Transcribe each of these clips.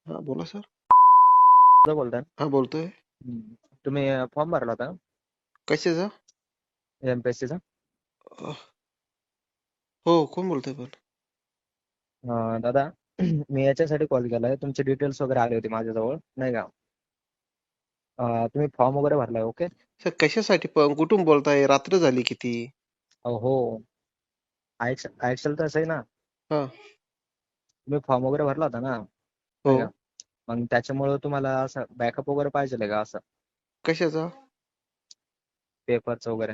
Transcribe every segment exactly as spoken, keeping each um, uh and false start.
हा बोला सर. कुठं बोलताय? हा बोलतोय. हम्म. तुम्ही फॉर्म भरला होता कशाचा? एमपीएससीचा? अह, हो कोण बोलतोय पण? दादा मी याच्यासाठी कॉल केलाय, तुमचे डिटेल्स वगैरे आले होते माझ्याजवळ नाही का. अं, तुम्ही फॉर्म वगैरे भरलाय? ओके. सर कशासाठी पण कुठून बोलताय? रात्र झाली किती? हो, ऐकशाल तसं आहे ना. हा. तुम्ही फॉर्म वगैरे भरला होता ना, हो. नाही का. मग त्याच्यामुळे तुम्हाला असं बॅकअप वगैरे पाहिजे का, असं कशाचा? पेपरचं वगैरे?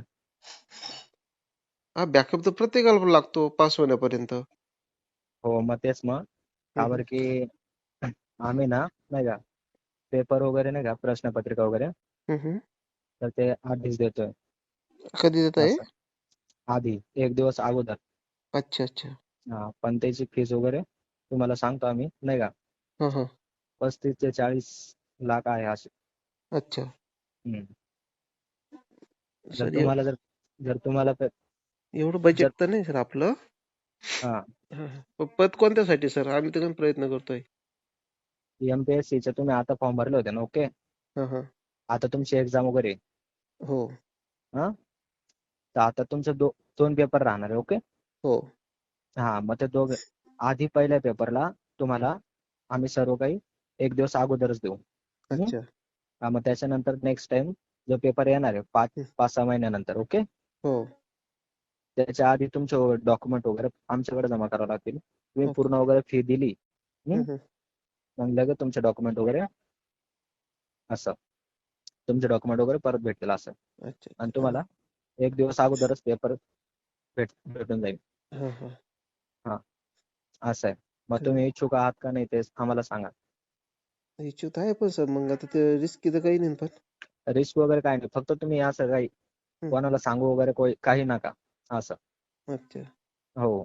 हा बॅकअप तर प्रत्येकाला लागतो पास होण्यापर्यंत. हो मग तेच मग का हम्म, बरं की आम्ही ना, नाही का, पेपर वगैरे नाही का, प्रश्नपत्रिका वगैरे, हम्म, हम्म. तर ते आधीच देतोय. कधी देत आहे? असं आधी एक दिवस अगोदर. अच्छा अच्छा. हा, पण त्याची फीस वगैरे तुम्हाला सांगतो आम्ही नाही का, हा हा. पस्तीस ते चाळीस लाख आहे असे. अच्छा. हम्म. जर सर एव- तुम्हाला जर जर तुम्हाला प- एवढं जर बजेट तर नाही सर आपलं. हा, हा, हा. पण पद कोणत्यासाठी सर? आम्ही तर काही प्रयत्न करतोय. एमपीएससीचे तुम्ही आता फॉर्म भरले होते ना? ओके. हा हा. आता तुमची एक्झाम वगैरे आहे. हो हा, तर आता तुमचे दो, दोन पेपर राहणार आहे. ओके. हो. हा, मग ते दोघ आधी पहिल्या पेपरला तुम्हाला आम्ही सर्व काही एक दिवस अगोदरच देऊ. हम्म? अच्छा. हा, मग त्याच्यानंतर नेक्स्ट टाइम जो पेपर येणार आहे पाच हम्म, पाच सहा महिन्यानंतर. ओके. हो. त्याच्या आधी तुमचे डॉक्युमेंट वगैरे आमच्याकडे जमा करावे लागतील. तुम्ही ओके. पूर्ण वगैरे फी दिली, हम्म, हम्म, हम्म. मग लगेच तुमचे डॉक्युमेंट वगैरे असं तुमचे डॉक्युमेंट वगैरे परत भेटतील असं. अच्छा आणि अच्छा. तुम्हाला एक दिवस अगोदरच पेपर भेट भेटून जाईल. हा हा. हा, असं आहे. मग तर तुम्ही इच्छुक आहात का नाही ते आम्हाला सांगा. इच्छुक आहे पण सर मग आता ते रिस्की तर काही नाही पण. रिस्क वगैरे काय नाही, फक्त तुम्ही असं काही हम्म, कोणाला सांगू वगैरे कोई- काही नका असं. अच्छा. हो,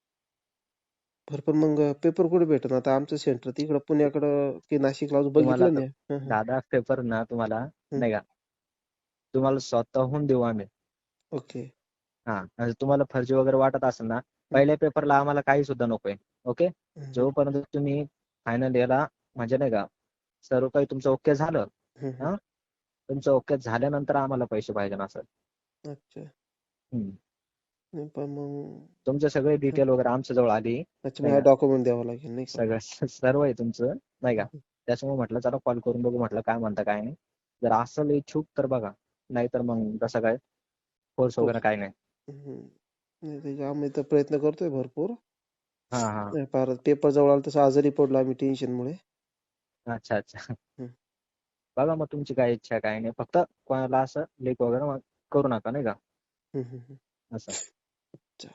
बरं पण मग पेपर कुठे भेटत आता आमचं सेंटर तिकडं पुण्याकडं की नाशिकला अजून तुम्हाला बघितलं आता नाही. हं, हं, दादा पेपर ना तुम्हाला हं. नाही का, तुम्हाला स्वतःहून देऊ आम्ही. ओके. हा, म्हणजे तुम्हाला फर्जी वगैरे वाटत असेल ना, हं, पहिल्या पेपरला आम्हाला काही सुद्धा नकोय. ओके. हं, हं, जोपर्यंत तुम्ही फायनल याला म्हणजे नाही का, सर्व काही तुमचं ओके झालं, हं, हं. हा, तुमचं ओके झाल्यानंतर आम्हाला पैसे पाहिजे ना सर. अच्छा. हम्म. नाही पण मग तुमचे सगळे हं. डिटेल वगैरे आमच्या जवळ आली अच्छा नाही मला का, डॉक्युमेंट द्यावं लागेल नाही का? सगळं सर्व आहे तुमचं नाही हं, का. हं. त्याच्यामुळे म्हटलं चला कॉल करून बघू, म्हटलं काय म्हणता काय नाही. जर असेल इच्छुक तर बघा, नाहीतर मग कसं काय, कोर्स हो. वगैरे काय नाही. हं. नाही त्याच्या आम्ही तर प्रयत्न करतोय भरपूर. हा हा. नाही फार पेपर जवळ आला तसं आजारी पडलो आम्ही टेन्शनमुळे. अच्छा अच्छा. हं, बघा मग तुमची काय इच्छा आहे काय नाही, फक्त कोणाला असं लीक वगैरे मग करू नका नाही का, हं, हं, हं. असं. अच्छा.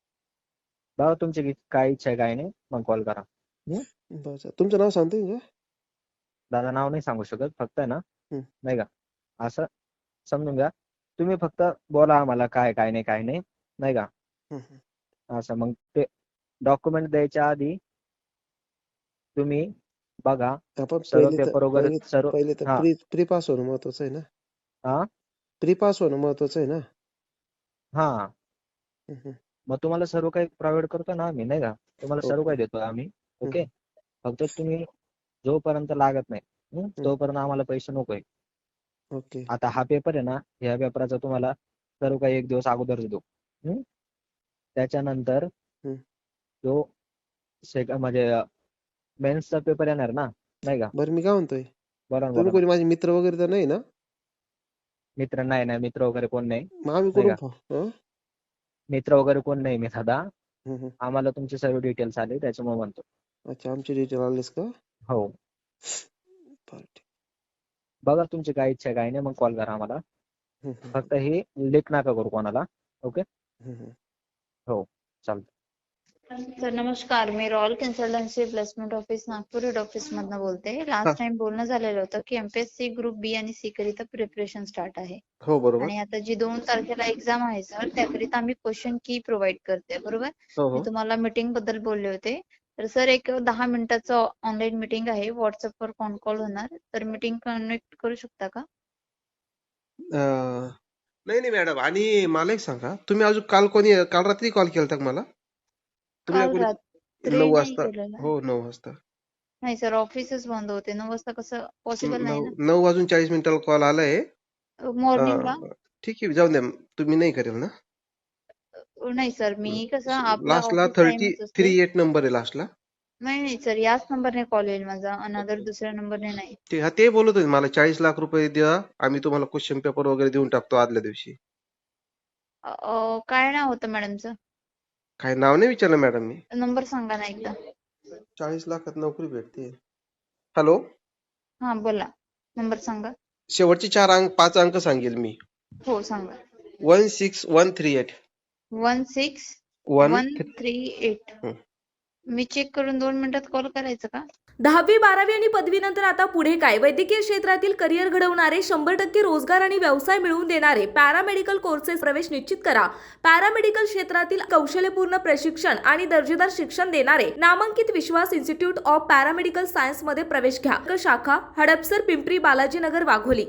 बघा तुमची की- काय इच्छा आहे काय नाही, मग कॉल करा. हं? बरं सर. तुमचं नाव सांगता येईल का? दादा नाव नाही सांगू शकत, फक्त आहे ना, हं, नाही का, असं समजून घ्या. तुम्ही फक्त बोला आम्हाला काय काय नाही काय नाही, नाही का. हं, हं. असं मग ते डॉक्युमेंट द्यायच्या आधी तुम्ही बघा आपण सर्व पहिले तर पेपर वगैरे पहिले सर्व. पहिले तर हा प्री प्री पास होणं महत्वाचं आहे ना? हा प्री पास होणं महत्वाचं आहे ना? हा. हं, हं. मग तुम्हाला सर्व काही प्रोव्हाइड करतो ना आम्ही नाही का, तुम्हाला सर्व ओके. काही देतो आम्ही. हं, ओके. हं, फक्त तुम्ही जोपर्यंत लागत नाही, हं, हं. तोपर्यंत आम्हाला पैसे नकोय. ओके. आता हा पेपर आहे ना, ह्या पेपराचा तुम्हाला सर्व काही एक दिवस अगोदर देतो. हं? त्याच्यानंतर हं. जो सेक म्हणजे मेन्सचा पेपर येणार ना, नाही का. बरं मी काय म्हणतोय, बोला ना तुम्ही बोला ना. कोणी माझे मित्र वगैरे तर नाही ना? मित्र नाही नाही, मित्र वगैरे कोण नाही, मग आम्ही नाही कुठून का. फ हं? मित्र वगैरे कोण नाही मी दादा. हं, हं. आम्हाला तुमचे सर्व डिटेल्स आले त्याच्यामुळे म्हणतो. अच्छा आमचे डिटेल आलेस का? हो. बरं ठीक. बघा तुमची काय इच्छा आहे काय नाही, मग कॉल करा आम्हाला. हं, हं, हं. फक्त हे लेख नका करू कोणाला. ओके. हं, हं. हो, चालतं. सर नमस्कार, मी royal consultancy placement office Nagpur head office मधनं बोलते. हां. लास्ट टाइम बोलणं झालेलं होतं की एमपीएससी ग्रुप बी आणि सी करिता प्रिपरेशन स्टार्ट आहे हो बरोबर. आणि आता जी दोन तारखेला एक्झाम आहे सर त्याकरिता आम्ही क्वेश्चन की प्रोव्हाइड करते बरोबर. हो, मी हो. तुम्हाला मीटिंग बद्दल बोलले होते. तर सर एक दहा मिनिटाचं ऑनलाईन मीटिंग आहे, व्हॉट्सअपवर कॉन कॉल होणार, तर मीटिंग कनेक्ट करू शकता का? अ, नाही, नाही मॅडम आणि मला एक सांगा, तुम्ही अजून काल कोणी काल रात्री कॉल केलता का मला? तुम्ही काल कोणी रात्री नऊ नाही वाजता केलेला. हो नऊ वाजता. नाही सर, ऑफिसच बंद होते. नऊ वाजता कसं पॉसिबल नाही नऊ ना. नऊ वाजून चाळीस मिनिटाला कॉल आलाय. मॉर्निंगला अं, ठीक आहे, जाऊन द्या. तुम्ही नाही करेल ना? नाही सर, मी कसं आपला लास्टला ऑफिस थर्टी टाइमच असतो. थ्री एट नंबर आहे लास्टला. नाही नाही सर, याच नंबरने कॉल येईल माझा, अनदर दुसऱ्या नंबरने नाही. ते हा ते बोलत होते मला चाळीस लाख रुपये द्या, आम्ही तुम्हाला क्वेश्चन पेपर वगैरे देऊन टाकतो आदल्या दिवशी. अ, अ, काय नाव होतं मॅडमचं? काय नाव नाही विचारलं मॅडम मी. नंबर सांगा ना एकदा. चाळीस लाखात नोकरी भेटते. हॅलो, हा बोला, नंबर सांगा. शेवटचे चार अंक पाच अंक सांगेल मी. हो सांगा. One six one three eight one six one one three eight. मी चेक करून दोन मिनिटात कॉल करायचं का? दहावी बारावी आणि पदवीनंतर आता पुढे काय? वैद्यकीय क्षेत्रातील करिअर घडवणारे, शंभर टक्के रोजगार आणि व्यवसाय मिळवून देणारे पॅरामेडिकल कोर्सेस प्रवेश निश्चित करा. पॅरामेडिकल क्षेत्रातील कौशल्यपूर्ण प्रशिक्षण आणि दर्जेदार शिक्षण देणारे नामांकित Vishwas institute of paramedical science मध्ये प्रवेश घ्या. शाखा हडपसर, पिंपरी, बालाजीनगर, वाघोली.